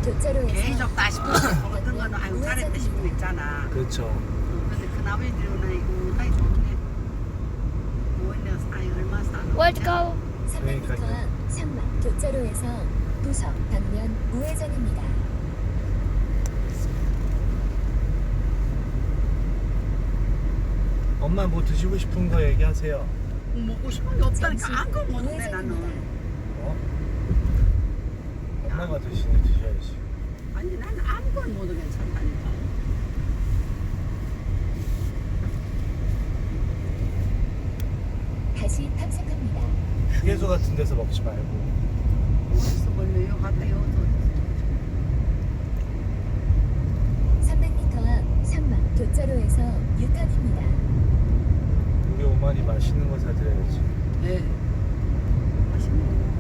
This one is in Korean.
교차로에서 계속 다 싶어. 어떤 거는 아유 잘했다 싶은 거 있잖아. 그렇죠. 근데 그 나머지들은 아이고 나이 좋네. 뭐인데 아이 얼마 사는 Where to go? 300m 앞 상막 교차로에서 도서 방면 우회전입니다. 엄마 뭐 드시고 싶은 거 얘기하세요. 먹고 싶은 게 없다니까 잠시 아무것도 못 해 우회전입니다. 나는. 어? 엄마가 드시니 드셔야지. 아니 나는 아무것도 못해 괜찮다니까. 다시 탐색합니다. 휴게소 같은 데서 먹지 말고. 어디서 벌려요? 갔다요. 300m 앞 상막 교차로에서 유턴입니다. 우리 어머니 맛있는 거 사드려야지. 네. 맛있는 거.